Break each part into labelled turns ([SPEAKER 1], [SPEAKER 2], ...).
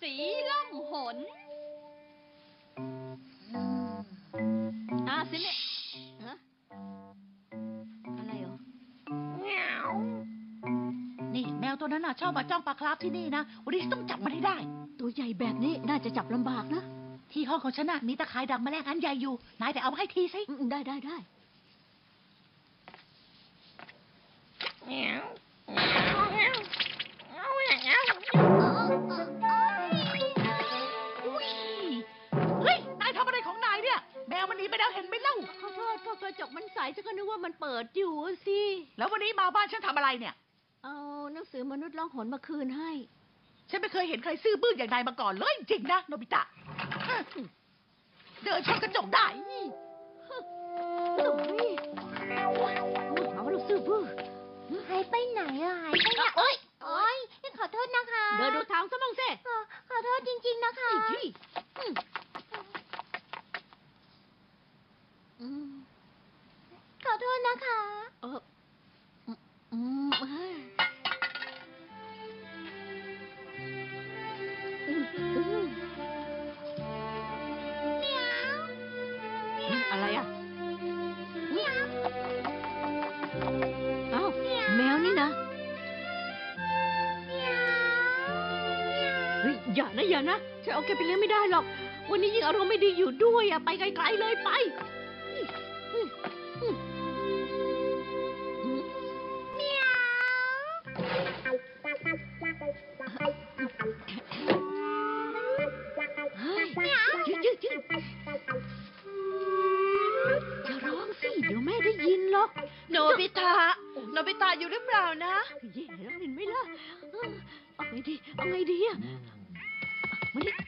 [SPEAKER 1] สีล่องหนสิเนี่ยฮะอะไรเหรอ
[SPEAKER 2] นี่แมวตัวนั้นน่ะชอบมาจ้องปลาคราฟที่นี่นะวันนี้ต้องจับมันให้ได้
[SPEAKER 1] ตัวใหญ่แบบนี้น่าจะจับลำบากนะ
[SPEAKER 2] ที่ห้องของฉันน่ะมีตะข่ายดักแมลงอันใหญ่อยู่นายไปเอามาให้ทีสิ
[SPEAKER 1] ได้
[SPEAKER 2] อุ๊ยเฮ้ยนายทำอะไรของนายเนี่ยแมวมันหนีไปแล้วเห็นไหมเล่า
[SPEAKER 1] ขอโทษก็กระจกมันใสฉันก็นึกว่ามันเปิดอยู่สิ
[SPEAKER 2] แล้ววันนี้มาบ้านฉันทำอะไรเนี่ย
[SPEAKER 1] เอาหนังสือมนุษย์ล่องหนมาคืนให้
[SPEAKER 2] ฉันไม่เคยเห็นใครซื่อบื้ออย่างนายมาก่อนเลยจริงๆนะโนบิตะเดินชนกระจกได้
[SPEAKER 1] เอาลูกซื้อบื้อ
[SPEAKER 3] หายไปไหนอะหายไปไหนโอ๊ยขอโทษนะคะ
[SPEAKER 1] เดินดูทางซะบ้างสิ
[SPEAKER 3] ขอโทษจริงๆนะคะ ขอโทษนะคะ
[SPEAKER 1] อะไรอ่ะเอ้าแมวนี่นะเฮ้ยอย่านะฉันเอาแกไปเลี้ยงไม่ได้หรอก วันนี้ยิ่งอารมณ์ไม่ดีอยู่ด้วยอ่ะไปไกลๆเลยไปเฮ้ยยืดอย่าร้องสิเดี๋ยวแม่ได้ยินหรอก
[SPEAKER 2] โนบิตะอยู่หรือเปล่านะ
[SPEAKER 1] แย่แล้วเห็นไหมล่ะเอาไงดีอ่ะมาดิ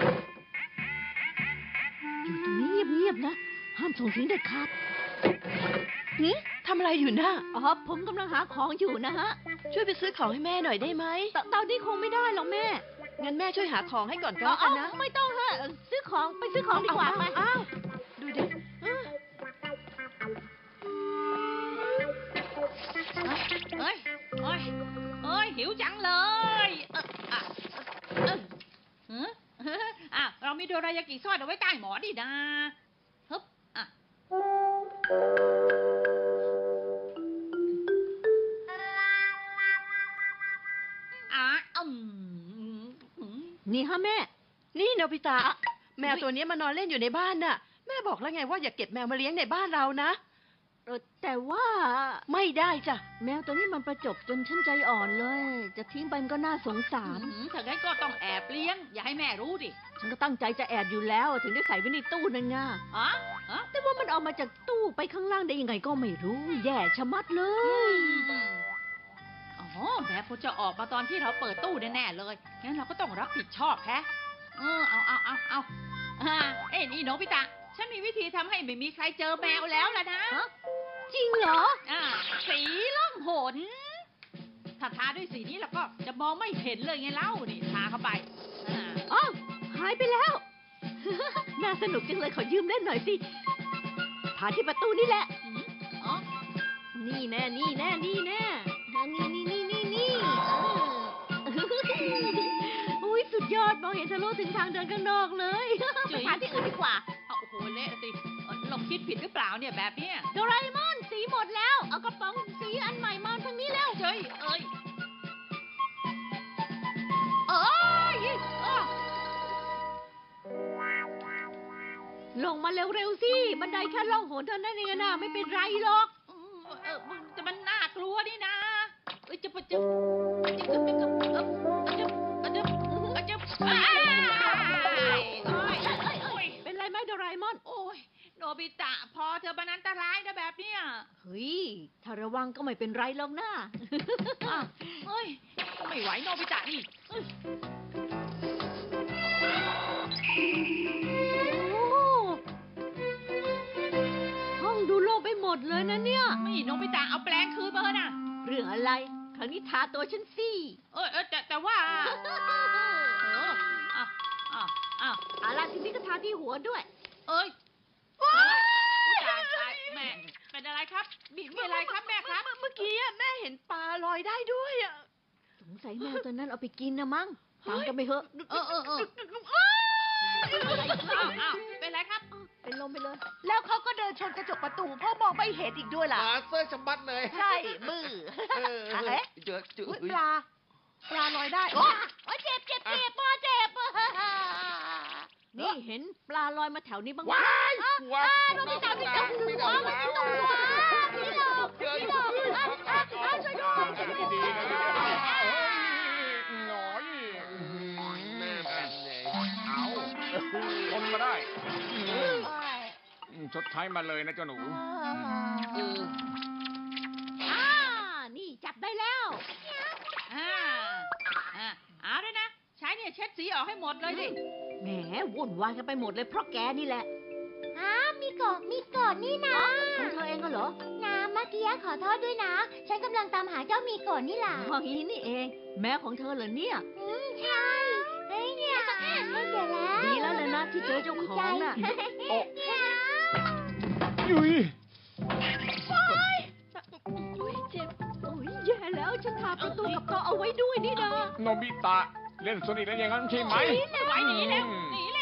[SPEAKER 1] อยู่ตรงนี้เงียบๆนะห้ามส่งเสียงเด็ดขาด
[SPEAKER 2] ทำอะไรอยู่นะ
[SPEAKER 1] อ๋อผมกำลังหาของอยู่นะฮะ
[SPEAKER 2] ช่วยไปซื้อของให้แม่หน่อยได้ไหม
[SPEAKER 1] ตอนนี้คงไม่ได้หรอกแม่
[SPEAKER 2] งั้นแม่ช่วยหาของให้ก่อนก็
[SPEAKER 1] เอา
[SPEAKER 2] แล้วกันนะ
[SPEAKER 1] ไม่ต้องฮะซื้อของไปซื้อของดีกว่าไป
[SPEAKER 2] อ้าวดูดิ
[SPEAKER 4] เอ้ยหิวจังเลยเรามีโดรายากิซ่อนเอาไว้ใต้หมอนดินะฮึบอืม
[SPEAKER 1] นี่ฮะแม่
[SPEAKER 2] นี่โนบิตะแมวตัวนี้มานอนเล่นอยู่ในบ้านน่ะ แม่บอกแล้วไงว่าอย่าเก็บแมวมาเลี้ยงในบ้านเรานะ
[SPEAKER 1] แต่ว่า
[SPEAKER 2] ไม่ได้จ้ะ
[SPEAKER 1] แมวตัวนี้มันประจบจนฉันใจอ่อนเลย จะทิ้งไปมันก็น่าสงสาร
[SPEAKER 4] ถ้างั้นก็ต้องแอบเลี้ยง อย่าให้แม่รู้ดิ
[SPEAKER 1] ฉันก็ตั้งใจจะแอบอยู่แล้วถึงได้ใส่ไว้ในตู้นั่นไง
[SPEAKER 4] อ๋อ
[SPEAKER 1] แต่ว่ามันเอามาจากตู้ไปข้างล่างได้ยังไงก็ไม่รู้ แย่ชะมัดเลย
[SPEAKER 4] อ๋อแม่คงจะออกมาตอนที่เราเปิดตู้แน่ๆเลยงั้นเราก็ต้องรับผิดชอบแฮะเอานี่โนบิตะฉันมีวิธีทำให้ไม่มีใครเจอแมวแล้วล่ะนะ
[SPEAKER 1] จริงเหรอ
[SPEAKER 4] สีล่องหน ถ้าทาด้วยสีนี้แล้วก็จะมองไม่เห็นเลยไงเล่านี่ทาเข้าไป
[SPEAKER 1] อ้าวหายไปแล้ว น่าสนุกจังเลยขอยืมเล่นหน่อยสิทาที่ประตูนี่แหละ
[SPEAKER 4] อ๋อ
[SPEAKER 1] นี่แน่นี่อุ้ยสุดยอดมองเห็นทะลุถึงทางเดินข้างนอกเลยไปทาที่อื่นดีกว่า
[SPEAKER 4] โอ้โหเละสิเราคิดผิดหรือเปล่าเนี่ยแบบเนี้ย
[SPEAKER 1] โดราเอมอนสีหมดแล้ว เอากระป๋องสีอันใหม่มาทางนี้แล้ว
[SPEAKER 4] เอ้ย
[SPEAKER 1] ลงมาเร็วๆสิ บันไดแค่ล่องหนเท่านั้นเองนะไม่เป็นไรหรอก
[SPEAKER 4] แต่มันน่ากลัวนี่นะจะ
[SPEAKER 1] เป็นไรไหมโดราเอมอน
[SPEAKER 4] โอ้ยโนบิตะพอเธอมันอันตรายนะแบบเนี้ย
[SPEAKER 1] เฮ้ย ถ้าระวังก็ไม่เป็นไรหรอกนะ
[SPEAKER 4] เฮ้ยไม่ไหวโนบิตะนี่
[SPEAKER 1] โอ้ห้องดูโล่งไปหมดเลยนะเนี่ย
[SPEAKER 4] ไม่โนบิตะเอาแปลงคืนมาเถอะนะ
[SPEAKER 1] เรื่องอะไร ครั้งนี้ทาตัวฉันสิ
[SPEAKER 4] แต่ว่า
[SPEAKER 1] เอาล่ะทีนี้ก็ทาที่หัวด้วย
[SPEAKER 4] เอ้ยตายแม่เป็นอะไรครับมีอะไรครับแม่ครับ
[SPEAKER 2] เมื่อกี้แม่เห็นปลาลอยได้ด้วยอ่ะ
[SPEAKER 1] สงสัยแมวตัวนั้นเอาไปกินนะมั้งฟังกันไปเถอะ
[SPEAKER 4] เอออ้าวเป็นไรครับ
[SPEAKER 1] เป็นลมไปเลย
[SPEAKER 2] แล้วเขาก็เดินชนกระจกประตูพ่อมองไม่เห็นอีกด้วยล่ะ
[SPEAKER 5] หมาเสื้อฉบัดเลย
[SPEAKER 2] ใช่มือ เอ๊ะ
[SPEAKER 5] เจอจุ๊
[SPEAKER 2] อุ๊ย
[SPEAKER 5] ย
[SPEAKER 2] ปลาลอยได้โอ้
[SPEAKER 3] โอ้ยเจ็บพ่อเจ็บ
[SPEAKER 1] นี่เห็นปลาลอยมาแถวนี้บ้างไหม
[SPEAKER 5] ว้ายว้าย
[SPEAKER 3] โนบิตะไม่จับหัวมันไม่จับหัวพี่หลอกช่วยด้วย
[SPEAKER 5] ดีๆนะหน่อยแม่แผ่นเลย
[SPEAKER 6] เอาทนมาได้ชดใช้มาเลยนะเจ้าหนู
[SPEAKER 1] นี่จับได้แล้ว
[SPEAKER 4] เอาด้วยนะ ใช้เนี่ยเช็ดสีออกให้หมดเลยดิ
[SPEAKER 1] แหมวุ่นวายกันไปหมดเลยเพราะแกนี่แหละ
[SPEAKER 3] มีกดนี่นะ
[SPEAKER 1] ของเธอเองก็เหรอ
[SPEAKER 3] น้ำเมื่อกี้ขอโทษด้วยนะ ฉันกำลังตามหาเจ้ามีกดนี่แหละ
[SPEAKER 1] อย่างนี้นี่เอง แม่ของเธอเหรอเนี่ย
[SPEAKER 3] ใช่เฮ้ยเนี่ยเดี๋ยวแล้ว
[SPEAKER 1] ดีแล้วเลยนะที่เจอเจ้าของน่ะ
[SPEAKER 6] ยุย
[SPEAKER 1] โอ้ยเจ็บ โอ้ยแย่แล้วฉันทาประตูกับโต๊ะเอาไว้ด้วยนี่นะ
[SPEAKER 6] โนบิตะ เล่นโซนิกแล้วอย่างนั้นใช่ไหม
[SPEAKER 4] ไม่ไหวหนีแล้วหนี